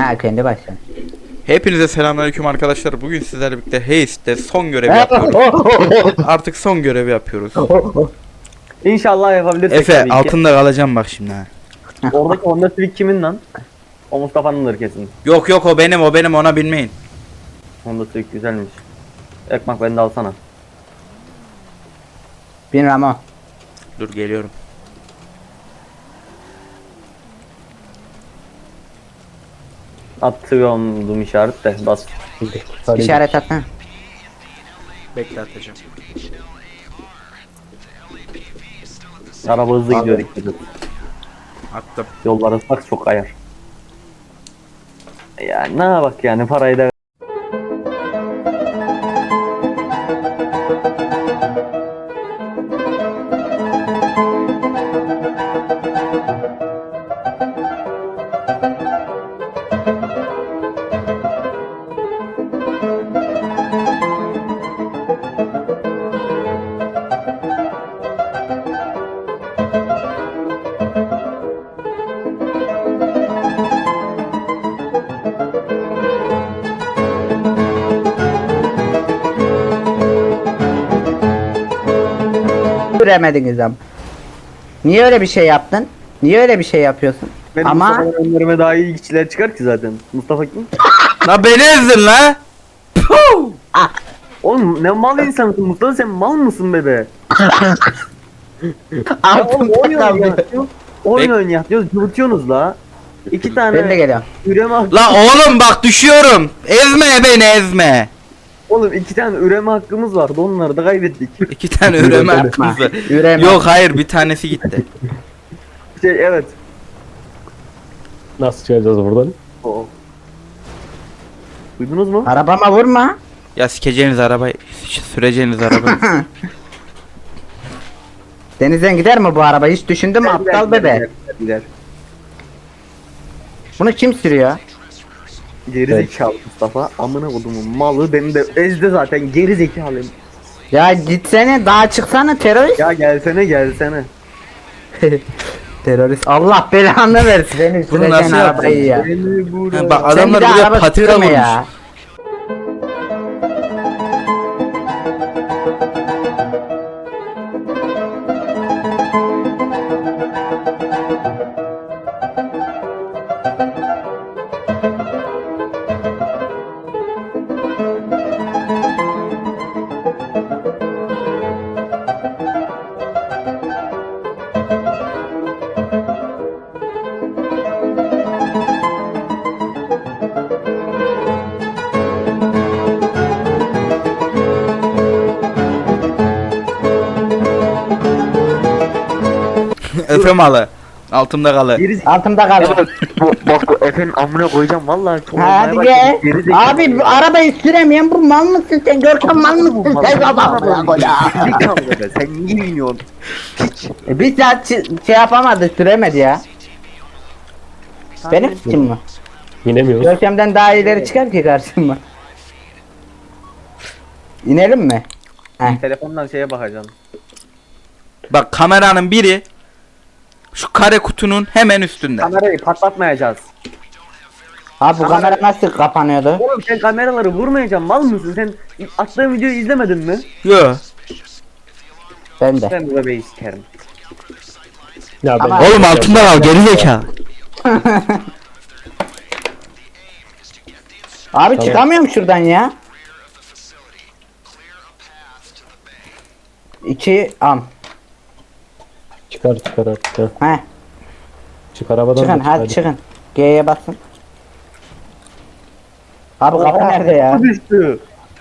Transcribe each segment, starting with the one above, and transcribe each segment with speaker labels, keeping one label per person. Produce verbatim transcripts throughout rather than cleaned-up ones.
Speaker 1: Ha kendi başına.
Speaker 2: Hepinize selamünaleyküm arkadaşlar. Bugün sizlerle birlikte Heist'te son görevi yapıyoruz. Artık son görevi yapıyoruz.
Speaker 3: İnşallah yapabilirsek.
Speaker 2: Efe
Speaker 3: tabii ki.
Speaker 2: altında kalacağım bak şimdi ha.
Speaker 3: Oradaki Honda Civic kimin lan? O Mustafa'nındır kesin.
Speaker 2: Yok yok o benim o benim ona binmeyin.
Speaker 3: Honda Civic güzelmiş. Ekmek beni de alsana.
Speaker 1: Bin Ramo.
Speaker 2: Dur geliyorum.
Speaker 3: Atıyorum işaret de bas.
Speaker 1: İşaret atma.
Speaker 2: Bekle atacağım.
Speaker 3: Araba hızlı gidiyor dikkat et.
Speaker 2: Attım.
Speaker 3: Yollar ıslak çok kayar. Ya ne bak yani parayı da
Speaker 1: Süremediniz ama. Niye öyle bir şey yaptın? Niye öyle bir şey yapıyorsun?
Speaker 3: benim
Speaker 1: Ama
Speaker 3: Mustafa'nın önlerime daha iyi kişiler çıkar ki zaten. Mustafa kim?
Speaker 2: La beni ezdin la. Puh!
Speaker 3: Oğlum ne mal insansın Mustafa, sen mal mısın bebe? Ya oğlum
Speaker 1: altımda
Speaker 3: oyun
Speaker 1: kaldı.
Speaker 3: oynayatıyor. Oyun
Speaker 2: Bek-
Speaker 3: oynayatıyoruz, cıvıtıyorsunuz la. İki
Speaker 1: Ben de
Speaker 3: tane
Speaker 1: geliyorum.
Speaker 3: üreme hakkı.
Speaker 2: La oğlum bak düşüyorum. Ezme beni ezme.
Speaker 3: Oğlum iki tane üreme hakkımız vardı, onları da kaybettik.
Speaker 2: İki tane üreme hakkımız var.
Speaker 1: Üreme.
Speaker 2: Yok hayır bir tanesi gitti.
Speaker 3: Şey evet.
Speaker 4: Nasıl çıkacağız buradan?
Speaker 3: O. Duydunuz mu?
Speaker 1: Arabama vurma.
Speaker 2: Ya sikeceğiniz arabayı, süreceğiniz arabayı.
Speaker 1: Denizden gider mi bu araba? Hiç düşündün mü
Speaker 3: Gider,
Speaker 1: aptal
Speaker 3: gider,
Speaker 1: bebe?
Speaker 3: gider, gider.
Speaker 1: Bunu kim sürüyor?
Speaker 3: Geri zekalı Mustafa. Amına kodumun malı beni de ezdi zaten, geri zekalıyım.
Speaker 1: Ya gitsene daha çıksana terörist.
Speaker 3: Ya gelsene gelsene.
Speaker 1: Terörist. Allah belanı versin. Seni
Speaker 2: Bunu
Speaker 1: süreceksin
Speaker 2: nasıl
Speaker 1: arabayı ya.
Speaker 3: Beni buraya.
Speaker 2: Ha, bak
Speaker 1: Sen
Speaker 2: adamlar
Speaker 1: bir de
Speaker 2: buraya
Speaker 1: araba
Speaker 2: patika
Speaker 1: sürme
Speaker 2: vurmuş.
Speaker 1: ya.
Speaker 2: Efe malı. Altımda kalı.
Speaker 3: Geri zekalı.
Speaker 1: Altımda kaldı.
Speaker 3: Bu bak bu efendim amına koyacağım vallahi. çok
Speaker 1: Hadi
Speaker 3: olmaya
Speaker 1: gel.
Speaker 3: başladı. Geri zekalı.
Speaker 1: Abi bu arabayı süremeyen bu mal mısın sen? Görkem mal mısın sen?
Speaker 3: Geri zekalı be, sen niye biniyorsun?
Speaker 1: E, Bir saat çi- şey yapamadı süremedi ya. Benim için mi?
Speaker 4: İnemiyoruz.
Speaker 1: Görkem'den daha ileri çıkar ki karşıma. İnelim mi? Heh.
Speaker 3: Telefondan şeye bakacaksın.
Speaker 2: Bak kameranın biri şu kare kutunun hemen üstünde.
Speaker 3: Kamerayı patlatmayacağız.
Speaker 1: Abi bu kamera nasıl kapanıyordu?
Speaker 3: Oğlum sen kameraları vurmayacaksın, mal mısın? Sen attığım videoyu izlemedin mi?
Speaker 2: Yo.
Speaker 1: Ben de.
Speaker 3: Ben bu bebeği sikerim.
Speaker 4: Ya ben
Speaker 1: Ama-
Speaker 2: Oğlum altında kal geri zekalı.
Speaker 1: Abi çıkamıyorum şuradan ya. İki am.
Speaker 4: çıkar çıkar artık ya.
Speaker 1: Heh.
Speaker 4: Çık arabadan
Speaker 1: Çıkın
Speaker 4: da
Speaker 1: hadi
Speaker 4: çık,
Speaker 1: çıkın. G'ye basın. Abi kapı nerede ya?
Speaker 3: Düştü.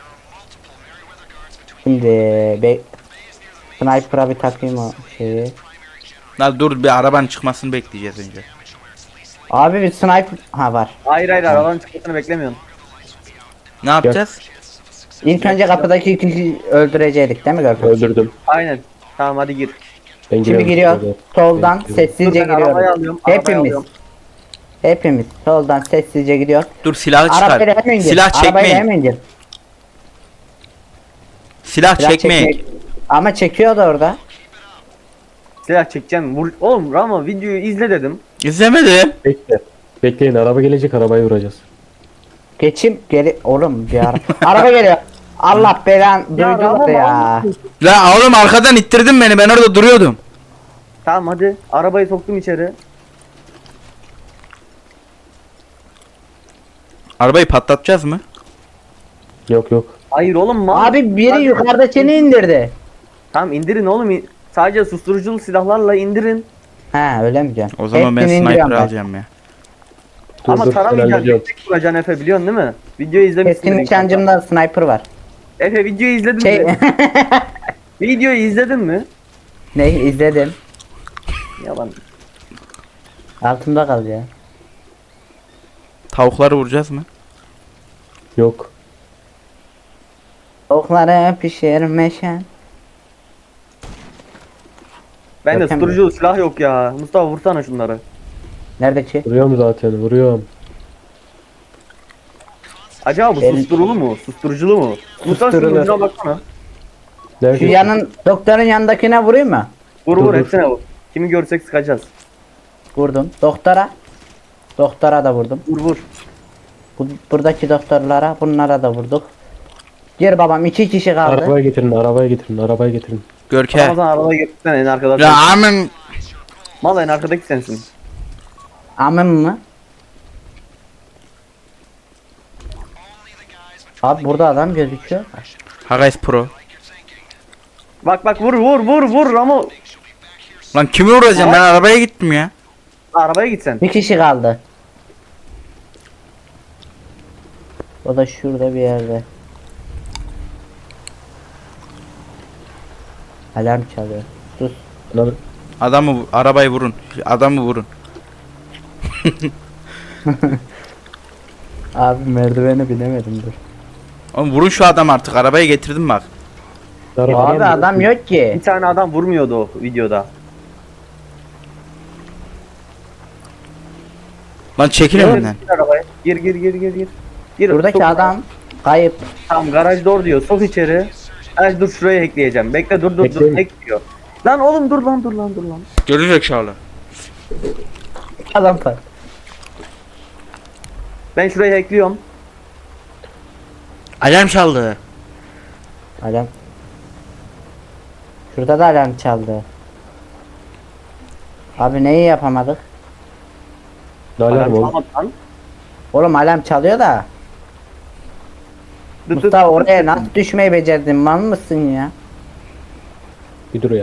Speaker 1: Şimdi be Sniper'a bir takayım o şeyi.
Speaker 2: La dur bir arabanın çıkmasını bekleyeceğiz önce.
Speaker 1: Abi bir sniper ha var.
Speaker 3: Hayır hayır, arabanın çıkmasını beklemiyorsun.
Speaker 2: Ne yapacağız?
Speaker 1: İlk önce kapıdaki ikili öldürecektik değil mi Görkem?
Speaker 4: Öldürdüm.
Speaker 3: Aynen. Tamam hadi gir.
Speaker 4: Ben
Speaker 1: Şimdi
Speaker 4: giriyorum
Speaker 1: giriyor.
Speaker 4: şuraya.
Speaker 1: Soldan
Speaker 4: Ben
Speaker 1: sessizce
Speaker 3: Dur, ben arabayı
Speaker 1: giriyoruz.
Speaker 3: alıyorum, arabayı
Speaker 1: Hepimiz.
Speaker 3: alıyorum.
Speaker 1: Hepimiz soldan sessizce gidiyor.
Speaker 2: Dur silahı
Speaker 1: Arabayla
Speaker 2: çıkar.
Speaker 1: hemen gir.
Speaker 2: Silah
Speaker 1: Arabayla
Speaker 2: çekmeyin.
Speaker 1: hemen gir.
Speaker 2: Silah
Speaker 1: Silah
Speaker 2: çekmeyin.
Speaker 1: çekmek- Ama çekiyordu orada.
Speaker 3: Silah çekeceğim. Vur. Oğlum Rama videoyu izle dedim.
Speaker 2: İzlemedim.
Speaker 4: Bekle. Bekleyin araba gelecek arabayı vuracağız.
Speaker 1: Geçim geri oğlum bir ara. Araba geliyor. Allah belan
Speaker 3: Ya,
Speaker 1: duydu
Speaker 3: araba
Speaker 1: ya.
Speaker 2: La oğlum arkadan ittirdin beni ben orada duruyordum.
Speaker 3: Tamam hadi. Arabayı soktum içeri.
Speaker 2: Arabayı patlatacağız mı?
Speaker 4: Yok yok.
Speaker 3: Hayır oğlum mal.
Speaker 1: Abi biri
Speaker 3: Hadi.
Speaker 1: yukarıda seni indirdi.
Speaker 3: Tamam indirin oğlum. İ- Sadece susturuculu silahlarla indirin.
Speaker 1: Ha öyle mi diyorsun?
Speaker 2: O zaman ben
Speaker 1: Hepsini
Speaker 2: sniper
Speaker 1: indiriyorum ben.
Speaker 2: alacağım ya.
Speaker 4: Dur
Speaker 3: Ama
Speaker 4: dur ben
Speaker 3: taramayacaksın.
Speaker 4: halledeceğim.
Speaker 3: Tek vuracaksın Efe biliyorsun değil mi? Videoyu izlemişsin.
Speaker 1: Keskin nişancımda sniper var.
Speaker 3: Efe videoyu izledin
Speaker 1: Şey
Speaker 3: mi? Videoyu izledin mi?
Speaker 1: ne izledim.
Speaker 3: Yalan.
Speaker 1: Altımda kaldı ya.
Speaker 2: Tavukları vuracağız mı?
Speaker 4: Yok.
Speaker 1: Tavukları pişirmişen.
Speaker 3: Bende
Speaker 1: Görkem
Speaker 3: susturuculu silah yok ya. Mustafa vursana şunları.
Speaker 1: Nerede ki?
Speaker 4: Vuruyorum zaten vuruyorum.
Speaker 3: Acaba bu
Speaker 1: Benim-
Speaker 3: susturulu mu? Susturuculu mu? Mustafa şunun
Speaker 1: Susturulu.
Speaker 3: ucuna baksana.
Speaker 4: Nerede?
Speaker 1: Şu yanın doktorun yanındakine vurayım mı?
Speaker 3: Vur
Speaker 4: Dur,
Speaker 3: vur
Speaker 4: dur.
Speaker 3: hepsine vur. Kimi görsek sıkacağız.
Speaker 1: Vurdum. Doktora. Doktora da vurdum.
Speaker 3: Vur vur.
Speaker 1: Bu, buradaki doktorlara bunlara da vurduk. Gir babam iki kişi kaldı.
Speaker 4: Arabaya getirin arabaya getirin arabaya getirin.
Speaker 2: Görke.
Speaker 3: Ramazan arabaya getirsene en arkada.
Speaker 2: Ya
Speaker 3: sensin.
Speaker 2: amin.
Speaker 3: Mal en arkadaki sensin.
Speaker 1: Amın mı? Abi burada adam gözüküyor.
Speaker 2: Hagais Pro.
Speaker 3: Bak bak vur vur vur vur ama
Speaker 2: Lan kimi vuracağım ben arabaya gittim ya.
Speaker 3: arabaya gitsen.
Speaker 1: Bir kişi kaldı. O da şurada bir yerde. Alarm çalıyor. Sus.
Speaker 4: Lan,
Speaker 2: Adamı arabayı vurun. Adamı vurun.
Speaker 1: Abi merdivene binemedim dur.
Speaker 2: Oğlum vurun şu adam artık arabayı getirdim bak.
Speaker 4: araba-
Speaker 1: Abi adam yok ki.
Speaker 3: Bir tane adam vurmuyordu o videoda.
Speaker 2: Lan çekil
Speaker 3: Gir
Speaker 2: önümden.
Speaker 3: arabaya. Gir gir gir gir gir. Gir.
Speaker 1: Buradaki
Speaker 3: sok-
Speaker 1: adam kayıp.
Speaker 3: Tam garaj door diyor. Sok içeri. Ay dur şuraya hackleyeceğim. Bekle dur dur dur.
Speaker 4: Bekleyin.
Speaker 3: Hack diyor. Lan oğlum dur lan dur lan dur lan.
Speaker 2: Görecek şahlı.
Speaker 1: Adam var.
Speaker 3: Ben şurayı hackliyorum.
Speaker 2: Alarm çaldı.
Speaker 1: Alarm. Şurada da alarm çaldı. Abi neyi yapamadık?
Speaker 4: Ne alarm
Speaker 3: Alarm
Speaker 4: oğlum?
Speaker 3: çalmadı lan.
Speaker 1: Oğlum alarm çalıyor da.
Speaker 3: Dıt dıt
Speaker 1: Mustafa
Speaker 3: dıt
Speaker 1: oraya
Speaker 3: dıt.
Speaker 1: nasıl düşmeyi becerdin? Mal mısın ya?
Speaker 4: Bir dur ya.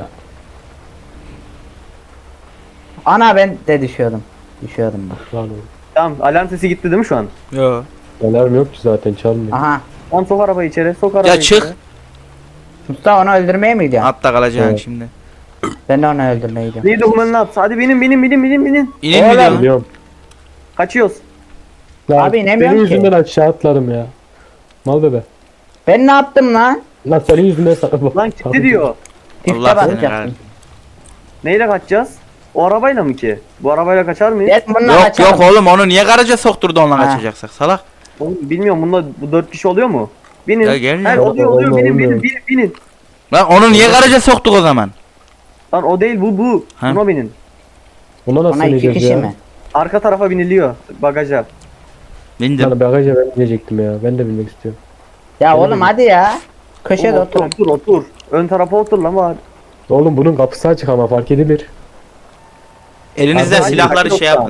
Speaker 1: Ana ben de düşüyordum. Düşüyordum bak.
Speaker 4: Lan oğlum.
Speaker 3: Tamam alarm sesi gitti değil mi şu an?
Speaker 2: Yo.
Speaker 4: Alarm yok ki zaten çalmıyor.
Speaker 1: Aha.
Speaker 3: Tamam sok arabayı içeri. Sok arabayı
Speaker 2: Ya çık.
Speaker 3: içeri.
Speaker 1: Mustafa onu öldürmeye mi gidiyorsun?
Speaker 2: Hatta kalacaksın
Speaker 4: Evet.
Speaker 2: şimdi.
Speaker 1: Ben de onu öldürmeye gidiyorum.
Speaker 3: Neydi humanın at? Hadi binin binin binin binin binin.
Speaker 2: İnin mi
Speaker 1: Oğlum.
Speaker 2: diyorsun?
Speaker 4: Biliyorum.
Speaker 3: Kaçıyoruz.
Speaker 4: Lan,
Speaker 1: Abi inemiyorum
Speaker 4: senin
Speaker 1: ki.
Speaker 4: yüzünden aşağı atladım ya. Mal bebe.
Speaker 1: Ben ne yaptım lan?
Speaker 4: Lan senin yüzünden sana
Speaker 3: Lan gitti diyor.
Speaker 1: Tifte
Speaker 2: Allah seni
Speaker 1: bakacaktım.
Speaker 2: kahretsin.
Speaker 3: Neyle kaçacağız? O arabayla mı ki? Bu arabayla kaçar mıyız?
Speaker 1: Gel bununla
Speaker 2: Yok
Speaker 1: kaçalım.
Speaker 2: yok oğlum onu niye garaja sokturdu onunla
Speaker 1: Ha.
Speaker 2: kaçacaksak salak.
Speaker 3: Oğlum bilmiyorum bunda bu dört kişi oluyor mu? Binin.
Speaker 2: Ya gelmiyor.
Speaker 3: Hayır, oluyor oluyor
Speaker 4: Olmuyor,
Speaker 3: binin binin
Speaker 4: olmuyor.
Speaker 3: binin binin.
Speaker 2: Lan onu niye garaja soktuk o zaman?
Speaker 3: Lan o değil bu bu.
Speaker 2: Ha.
Speaker 3: Buna binin.
Speaker 4: Buna nasıl
Speaker 1: Ona iki
Speaker 4: ineceğiz
Speaker 1: kişi
Speaker 4: ya?
Speaker 1: mi?
Speaker 3: Arka tarafa biniliyor bagaja.
Speaker 2: Bindim.
Speaker 4: Lan bagaja ben binecektim ya. Ben de binmek istiyorum.
Speaker 1: Ya
Speaker 4: Öyle
Speaker 1: oğlum
Speaker 4: mi?
Speaker 1: hadi ya. Köşede
Speaker 3: Oğlum, otur,
Speaker 1: oturun.
Speaker 3: otur otur. Ön tarafa otur lan var.
Speaker 4: Oğlum bunun kapısı açık ama fark edilir.
Speaker 2: Elinizden
Speaker 3: Hadi,
Speaker 2: silahları
Speaker 3: hadi
Speaker 2: şey
Speaker 3: yoksa.
Speaker 2: yapın.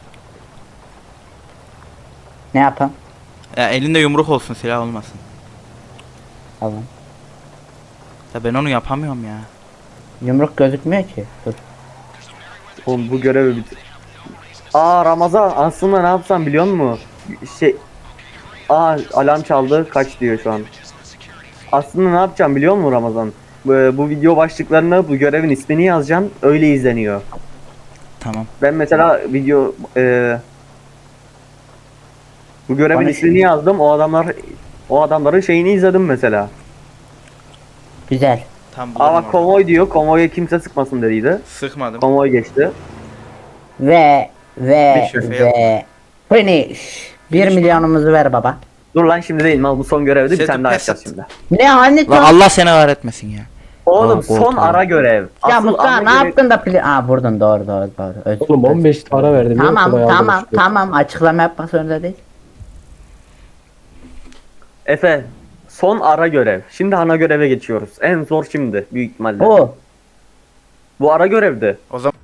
Speaker 1: Ne yapalım?
Speaker 2: Ya elinde yumruk olsun silah olmasın.
Speaker 1: Tamam.
Speaker 2: Ya ben onu yapamıyorum ya.
Speaker 1: Yumruk gözükmüyor ki. Dur.
Speaker 3: Oğlum bu görevi bitir. Aa Ramazan aslında ne yapsam biliyor musun? Şey. Aa alarm çaldı kaç diyor şu an. Aslında ne yapacağım biliyor musun Ramazan? Bu, bu video başlıklarına bu görevin ismini yazacaksın öyle izleniyor.
Speaker 2: Tamam.
Speaker 3: Ben mesela video e, bu görevin
Speaker 1: Bana
Speaker 3: ismini
Speaker 1: şey-
Speaker 3: yazdım. O adamlar o adamların şeyini izledim mesela.
Speaker 1: Güzel.
Speaker 2: Tam
Speaker 3: Aa bak konvoy diyor. Konvoya kimse sıkmasın dediydi.
Speaker 2: Sıkmadım.
Speaker 3: Konvoy geçti.
Speaker 1: Ve ve
Speaker 2: Bir şefe
Speaker 1: ve finish. Bir milyonumuzu ver baba.
Speaker 3: Dur lan şimdi değil mal bu son görevde bir
Speaker 2: Set
Speaker 3: tane daha
Speaker 2: pass
Speaker 3: yapacağız
Speaker 2: it.
Speaker 3: şimdi.
Speaker 1: Ne hani
Speaker 2: Lan Allah seni kahretmesin ya.
Speaker 3: Oğlum
Speaker 4: Aa,
Speaker 3: son
Speaker 4: korktum.
Speaker 3: ara görev.
Speaker 1: Ya
Speaker 3: Asıl
Speaker 1: Mustafa
Speaker 3: ana
Speaker 1: ne
Speaker 3: görev-
Speaker 1: yaptın da pli... Aa vurdun doğru doğru doğru. Özür,
Speaker 4: Oğlum on beş para verdim. niye
Speaker 1: Tamam
Speaker 4: kolay aldın
Speaker 1: tamam
Speaker 4: işte?
Speaker 1: tamam açıklama yapmak zorunda değil.
Speaker 3: Efe son ara görev. Şimdi ana göreve geçiyoruz. En zor şimdi büyük ihtimalle.
Speaker 1: O
Speaker 3: Bu ara görevdi.
Speaker 2: O zaman